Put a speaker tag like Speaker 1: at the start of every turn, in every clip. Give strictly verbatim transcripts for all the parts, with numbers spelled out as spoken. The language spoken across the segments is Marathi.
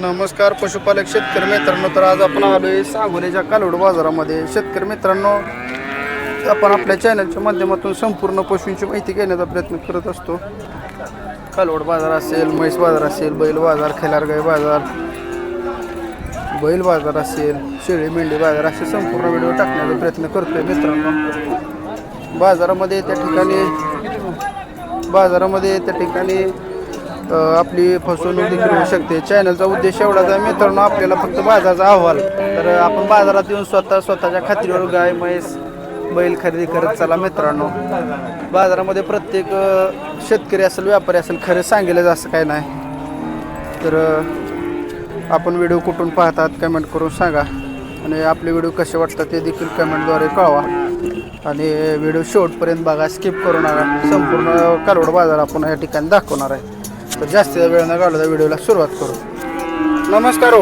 Speaker 1: नमस्कार पशुपालक शेतकरी मित्रांनो, तर आज आपण आलोय सांगोल्याच्या कालवड बाजारामध्ये. शेतकरी मित्रांनो, आपण आपल्या चॅनलच्या माध्यमातून संपूर्ण पशूंची माहिती घेण्याचा प्रयत्न करत असतो. कालवड बाजार असेल, म्हैस बाजार असेल, बैल बाजार, खिलारगाई बाजार, बैल बाजार असेल, शेळी मेंढी बाजार, असे संपूर्ण व्हिडिओ टाकण्याचा प्रयत्न करतोय मित्रांनो. बाजारामध्ये त्या ठिकाणी बाजारामध्ये त्या ठिकाणी आपली फसवणूक देखील होऊ शकते. चॅनलचा उद्देश एवढाच आहे मित्रांनो, आपल्याला फक्त बाजाराचा अहवाल. तर आपण बाजारात येऊन स्वतः स्वतःच्या खात्रीवर गाय म्हैस बैल खरेदी करत चला मित्रांनो. बाजारामध्ये प्रत्येक शेतकरी असेल, व्यापारी असेल, खरं सांगेलच असं काय नाही. तर आपण व्हिडिओ कुठून पाहतात कमेंट करून सांगा, आणि आपले व्हिडिओ कसे वाटतात ते देखील कमेंटद्वारे कळवा. आणि व्हिडिओ शेवटपर्यंत बघा, स्किप करू नका. संपूर्ण कालवड बाजार आपण या ठिकाणी दाखवणार आहे. तर जास्त वेळ न घालवता व्हिडिओला सुरुवात करू. नमस्कार. हो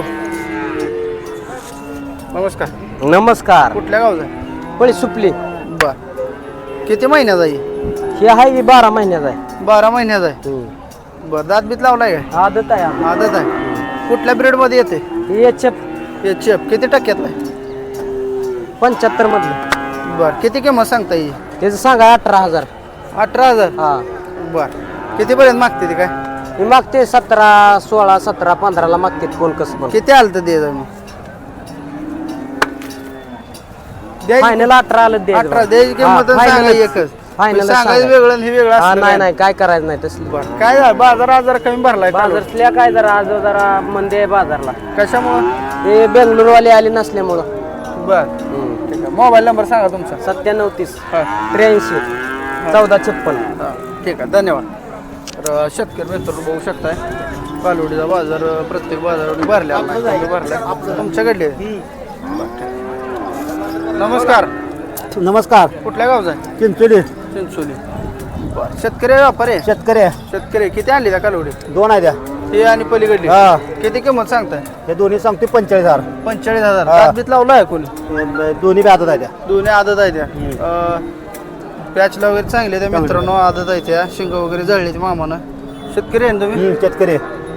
Speaker 1: नमस्कार.
Speaker 2: नमस्कार.
Speaker 1: कुठल्या गावचा?
Speaker 2: पळी सुपली.
Speaker 1: बर, किती महिन्याचा आहे?
Speaker 2: हे आहे बारा महिन्याचा आहे.
Speaker 1: बारा महिन्याचा आहे. बर, दात बीत लावलाय का?
Speaker 2: आदत आहे.
Speaker 1: आदत आहे. कुठल्या ब्रेड मध्ये येते?
Speaker 2: H F.
Speaker 1: एच एफ किती टक्क्यातला आहे?
Speaker 2: पंच्याहत्तर मधलं.
Speaker 1: बर, किती किंमत सांगता येईल?
Speaker 2: त्याचं सांगा अठरा हजार.
Speaker 1: अठरा हजार
Speaker 2: हा.
Speaker 1: बर, कितीपर्यंत मागते ती? काय
Speaker 2: मी मागते सतरा सोळा सतरा पंधराला मागते. कोण कसं पण.
Speaker 1: किती आलं तर दे मग?
Speaker 2: फायनल अठरा आलं दे.
Speaker 1: अठरा द्यायची किंमत सांगा एकच.
Speaker 2: फायनल
Speaker 1: सांगायचं वेगळं आणि हे वेगळं असलं
Speaker 2: नाही नाही काय करायचं नाही तसली.
Speaker 1: बरं, काय झालं? बाजार आज जरा कमी भरलाय.
Speaker 2: बाजारतल्या काय जरा आज जरा मंदी आहे बाजारला.
Speaker 1: कशामुळं?
Speaker 2: ते बेंगळूरवाले आले नसल्यामुळं.
Speaker 1: बर, ठीक आहे. मोबाईल नंबर सांगा तुमचा.
Speaker 2: सत्त्याण्णव तीस
Speaker 1: हा.
Speaker 2: त्र्याऐंशी चौदा छप्पन.
Speaker 1: हा, ठीक आहे, धन्यवाद. तर शेतकरी मित्रांनो, बघू शकताय कालवडीचा बाजार प्रत्येक बाजारावर भरल्या भरल्या तुमच्याकडले. नमस्कार.
Speaker 2: नमस्कार.
Speaker 1: कुठल्या गावचा आहे?
Speaker 2: चिंचोली.
Speaker 1: चिंचोली. बरं, शेतकरी आहे व्यापारी आहे?
Speaker 2: शेतकरी
Speaker 1: शेतकरी. किती आणली त्या कालवडी?
Speaker 2: दोन आहे द्या.
Speaker 1: हे आणि पलीकडली.
Speaker 2: हा.
Speaker 1: किती किंमत सांगताय?
Speaker 2: हे दोन्ही सांगते पंचेचाळीस हजार.
Speaker 1: पंचेचाळीस हजार.
Speaker 2: हा.
Speaker 1: दात बीत लावला आहे कोणी?
Speaker 2: दोन्ही बी आदत आहे त्या.
Speaker 1: दोन्ही आदत आहे त्या. पॅचला वगैरे चांगले त्या मित्रांनो, आदत आहे त्या. शिंग वगैरे जळले मामानं. शेतकरी आहे ना तुम्ही?
Speaker 2: शेतकरी.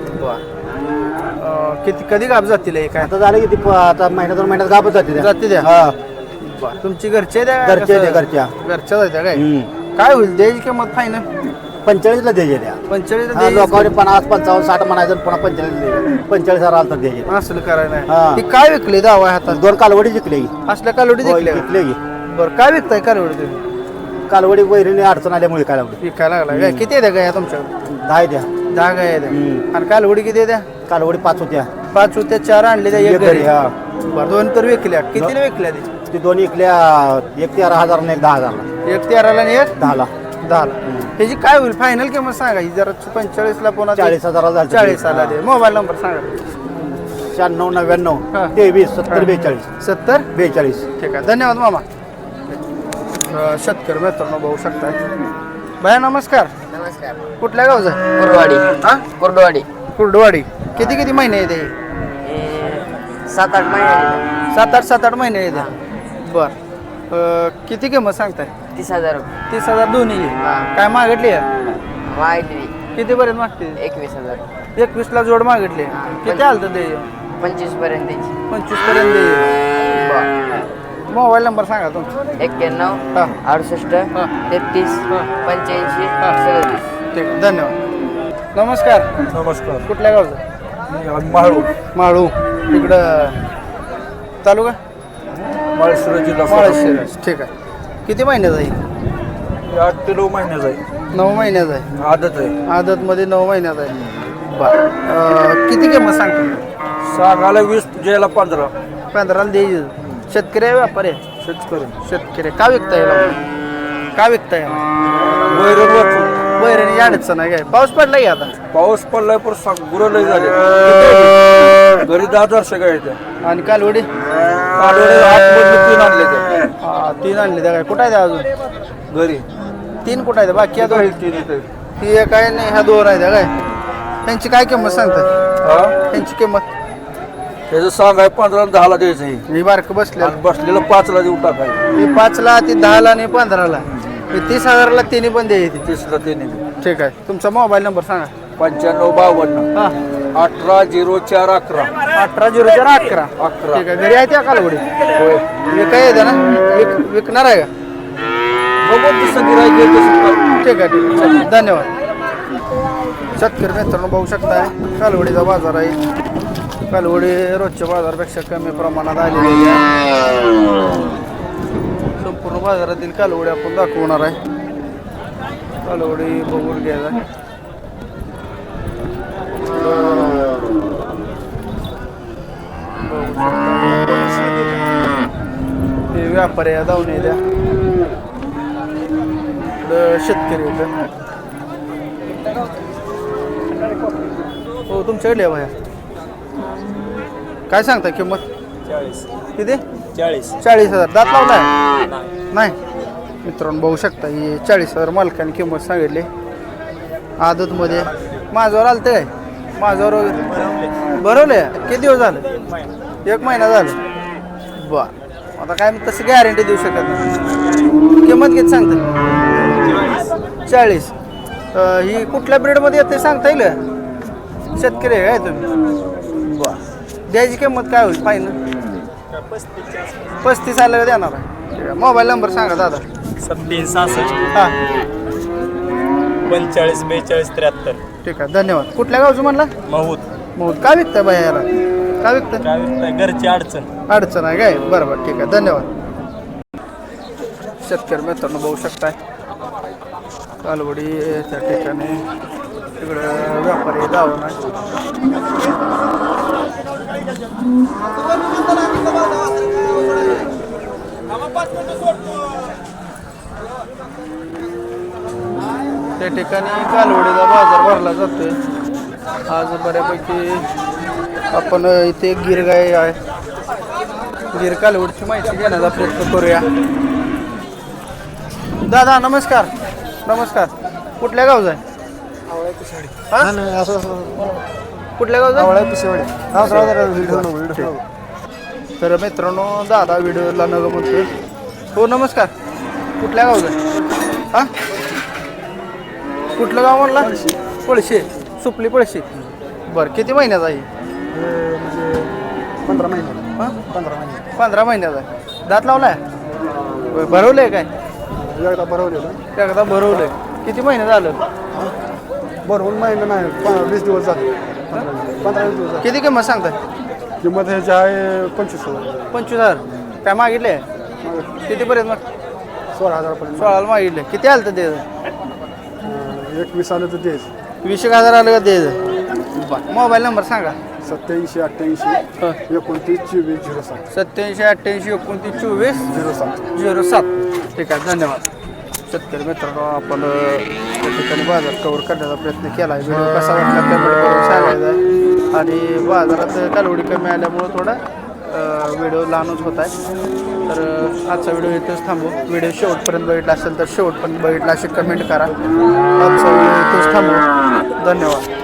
Speaker 1: बरं, किती कधी गाप जातील हे? काय
Speaker 2: आता झालं की ती आता महिन्या दोन महिन्यात गाबच जाते
Speaker 1: जाते द्या.
Speaker 2: हा.
Speaker 1: बरं, तुमची घरचे द्या?
Speaker 2: घरचे द्या, घरच्या.
Speaker 1: घरच्या जात्या काय? काय होईल द्यायची किंमत? फायनल
Speaker 2: पंचेचाळीसला द्यायचे द्या.
Speaker 1: पंचेचाळीस
Speaker 2: लोकांनी पन्नास पंचावन्न साठ म्हणायचं, पुन्हा पंचेचाळीस पंचेचाळीस हजार आलं तर द्यायचे.
Speaker 1: असलं करायला
Speaker 2: हा.
Speaker 1: नाही. ती काय विकली दावा हातात?
Speaker 2: दोन कालवडी जिंकले.
Speaker 1: असल्या कालवडी विकल्या?
Speaker 2: जिंकले की.
Speaker 1: बरं, काय विकताय कालवडी तुम्ही?
Speaker 2: कालवडी वैरीने अडचण आल्यामुळे कालवडी
Speaker 1: विकायला लागला काय? किती आहे गाया तुमच्याकडे?
Speaker 2: दहा द्या.
Speaker 1: दहा गाय आहे.
Speaker 2: हम्म.
Speaker 1: आणि कालवडी किती द्या?
Speaker 2: कालवडी पाच होत्या.
Speaker 1: पाच होत्या, चार आणले त्या, एक
Speaker 2: एक
Speaker 1: घरी.
Speaker 2: घरी, हा.
Speaker 1: बरं, दोन तर विकल्या. कितीला विकल्या ती?
Speaker 2: ती दोन इकल्या, एक तेरा हजार आणि एक दहा हजारला.
Speaker 1: एक तेराला आणि एक
Speaker 2: दहाला.
Speaker 1: दहाला. त्याची काय होईल फायनल किंमत सांगा? ही जरा पंचेचाळीस ला पुन्हा
Speaker 2: चाळीस हजाराला झाली.
Speaker 1: चाळीस आला ते. मोबाईल नंबर सांगा.
Speaker 2: शहाण्णव नव्याण्णव
Speaker 1: हा.
Speaker 2: तेवीस सत्तर बेचाळीस
Speaker 1: सत्तर
Speaker 2: बेचाळीस.
Speaker 1: ठीक आहे, धन्यवाद मामा. अं, शेतकरी मित्रांनो, बघू शकताय. भैया नमस्कार.
Speaker 3: नमस्कार.
Speaker 1: कुठल्या गावचा?
Speaker 3: कुर्डवाडी.
Speaker 1: हा,
Speaker 3: कुर्डवाडी.
Speaker 1: कुर्डवाडी. किती किती महिने येते?
Speaker 3: सात आठ महिने.
Speaker 1: सात आठ सात आठ महिने येते. बर, अं, किती किंमत सांगताय?
Speaker 3: तीस हजार रुपये.
Speaker 1: तीस हजार दोन्ही.
Speaker 3: हा.
Speaker 1: काय मागितली आहे?
Speaker 3: वाढली
Speaker 1: किती पर्यंत मागते?
Speaker 3: एकवीस हजार.
Speaker 1: एकवीस ला जोड मागितली.
Speaker 3: हा.
Speaker 1: किती आलं तर ते?
Speaker 3: पंचवीस पर्यंत द्यायची.
Speaker 1: पंचवीस पर्यंत दे. मोबाईल नंबर सांगा तुमचा.
Speaker 3: एक्क्याण्णव
Speaker 1: हा.
Speaker 3: अडुसष्ट
Speaker 1: हा.
Speaker 3: तेहतीस
Speaker 1: हा.
Speaker 3: पंच्याऐंशी
Speaker 1: हा.
Speaker 3: सदतीस.
Speaker 1: ठीक आहे, धन्यवाद. नमस्कार.
Speaker 4: नमस्कार.
Speaker 1: कुठल्या गावचं?
Speaker 4: माळू.
Speaker 1: माळू. इकडं तालुका
Speaker 4: माळशिरस जिल्हा
Speaker 1: माळशिरस. ठीक आहे. किती महिन्याचा आहे?
Speaker 4: आठ ते नऊ महिन्याचा आहे.
Speaker 1: नऊ महिन्याचा आहे.
Speaker 4: आदत आहे.
Speaker 1: आदतमध्ये नऊ महिन्याचा आहे. बरं, किती किंमत सांगतो?
Speaker 4: सांगायला वीस ज्याला पंधरा.
Speaker 1: पंधराला द्यायची. शेतकरी आहे व्यापारी आहे?
Speaker 4: शेतकरी.
Speaker 1: शेतकरी. का विकता येईल? का विकता येईल?
Speaker 4: वैरण वाचून
Speaker 1: वैरण अडचण आहे काय? पाऊस पडला की आता?
Speaker 4: पाऊस पडलाय पण सांग गुरं लय झाले. घरी दहा हजार सगळ्या येत्या.
Speaker 1: आणि कालवडी?
Speaker 4: कालवडे आतमधले तीन आणले त्या.
Speaker 1: हा, तीन आणले त्या काय? कुठं आहे त्या अजून?
Speaker 4: घरी
Speaker 1: तीन कुठं आहे? बाकी या दोन?
Speaker 4: तीन येते.
Speaker 1: ती एक आहे नाही, ह्या दोन आहे त्या काय? त्यांची काय किंमत सांगताय?
Speaker 4: हा.
Speaker 1: त्यांची किंमत?
Speaker 4: त्याचं सांगाय पंधरा आणि दहाला द्यायचं आहे.
Speaker 1: मी बारकं बसले.
Speaker 4: आणि बसलेलं पाचला देऊ टाकायचं.
Speaker 1: ती पाचला, ती दहाला आणि पंधराला. हे तीस हजाराला तिन्ही पण द्यायची.
Speaker 4: तीसला तिने.
Speaker 1: ठीक आहे. तुमचा मोबाईल नंबर सांगा.
Speaker 4: पंच्याण्णव बावन्न
Speaker 1: हां
Speaker 4: अठरा झिरो चार अकरा
Speaker 1: अठरा झिरो चार अकरा
Speaker 4: अकरा.
Speaker 1: ठीक आहे. घरी आहे त्या कालवडी
Speaker 4: होय
Speaker 1: विकाय येते ना विक विकणार आहे का?
Speaker 4: बघू तसं गिरायक आहे तसं कर.
Speaker 1: ठीक आहे ठीक आहे चला, धन्यवाद. शेतकरी मित्रांनो बघू शकताय कालवडीचा बाजार आहे. कालवडी रोजच्या बाजारापेक्षा कमी प्रमाणात आलेली आहे. संपूर्ण बाजारातील कालवडी आपण दाखवणार आहे. कालवडी बघून घ्यायचा. हे व्यापारी आहे धावणे द्या शेतकरी होतं. हो तुमच्याकडे भाया काय सांगता किंमत किती
Speaker 2: चाळीस
Speaker 1: चाळीस हजार दात लावलाय नाही मित्रांनो बघू शकता ही चाळीस हजार मालकाने किंमत सांगितली. आदतमध्ये माझ्यावर आलं काय माझ्यावर भरवले किती दिवस झालं एक महिना झालं बर आता काय तसं गॅरंटी देऊ शकत नाही. किंमत किती सांगता चाळीस. ही कुठल्या ब्रीडमध्ये येते सांगता येईल शेतकरी आहे काय तुम्ही बर द्यायची किंमत काय होईल फायनल पस्तीस आलं का देणार आहे. मोबाईल नंबर सांगा दादा.
Speaker 2: सत्तीस सहासष्ट
Speaker 1: हां
Speaker 2: पंचेचाळीस बेचाळीस त्र्याहत्तर.
Speaker 1: ठीक आहे धन्यवाद. कुठल्या गावचं म्हणला
Speaker 2: महूत.
Speaker 1: मग काय विकताय बाया याला काय विकताय
Speaker 2: काय विकताय? घरची अडचण.
Speaker 1: अडचण आहे काय बरं बरं ठीक आहे धन्यवाद. शेतकरी मित्रांनो बघू शकताय कालवडी त्या ठिकाणी तिकडं व्यापारी गावं नाही. त्या ठिकाणी कालवडीचा बाजार भरला जातोय. आज बऱ्यापैकी आपण इथे गिर गाय आहे गिर कालवडची माहिती घेण्याचा प्रयत्न करूया. दादा नमस्कार नमस्कार कुठल्या गावचा आहे हा? कुठल्या गावचा तर मित्रांनो दादा व्हिडिओला न म्हणतोय. हो नमस्कार कुठल्या गावचा आहे हा कुठलं गाव म्हणला पळशे सुपली पळशे बरं किती महिन्याचा आहे
Speaker 2: पंधरा महिने
Speaker 1: हां
Speaker 2: पंधरा महिने
Speaker 1: पंधरा महिन्याचा आहे. दात लावलाय भरवलंय काय
Speaker 2: एकदा भरवलेलं
Speaker 1: एकदा भरवलंय किती महिने झालं
Speaker 2: भरवून महिना नाही वीस दिवस झाले पंधरा वीस दिवस झाले.
Speaker 1: किती किंमत सांगताय
Speaker 2: किंमत ह्याची आहे पंचवीस हजार
Speaker 1: पंचवीस हजार काय मागितले कितीपर्यंत मग
Speaker 2: सोळा हजारपर्यंत.
Speaker 1: सोळाला मागितले किती आलं तर द्यायचं
Speaker 2: एकवीस आलं तर तेच
Speaker 1: वीस एक हजार आलं का द्यायचं बरं मोबाईल नंबर सांगा.
Speaker 2: सत्याऐंशी अठ्ठ्याऐंशी एकोणतीस चोवीस झिरो सात
Speaker 1: सत्याऐंशी अठ्ठ्याऐंशी एकोणतीस चोवीस
Speaker 2: झिरो सात
Speaker 1: झिरो सात ठीक आहे धन्यवाद. शेतकरी मित्रांनो आपण त्या ठिकाणी बाजार कव्हर करण्याचा प्रयत्न केला आहे. व्हिडिओ कसा वाटला कमेंट करून सांगायचा आहे. आणि बाजारात कालवडी कमी आल्यामुळं थोडा व्हिडिओ लहानच होत आहे. तर आजचा व्हिडिओ इथंच थांबू. व्हिडिओ शेवटपर्यंत बघितला असेल तर शेवटपर्यंत बघितला अशी कमेंट करा. आजचा व्हिडिओ इथंच थांबू. धन्यवाद.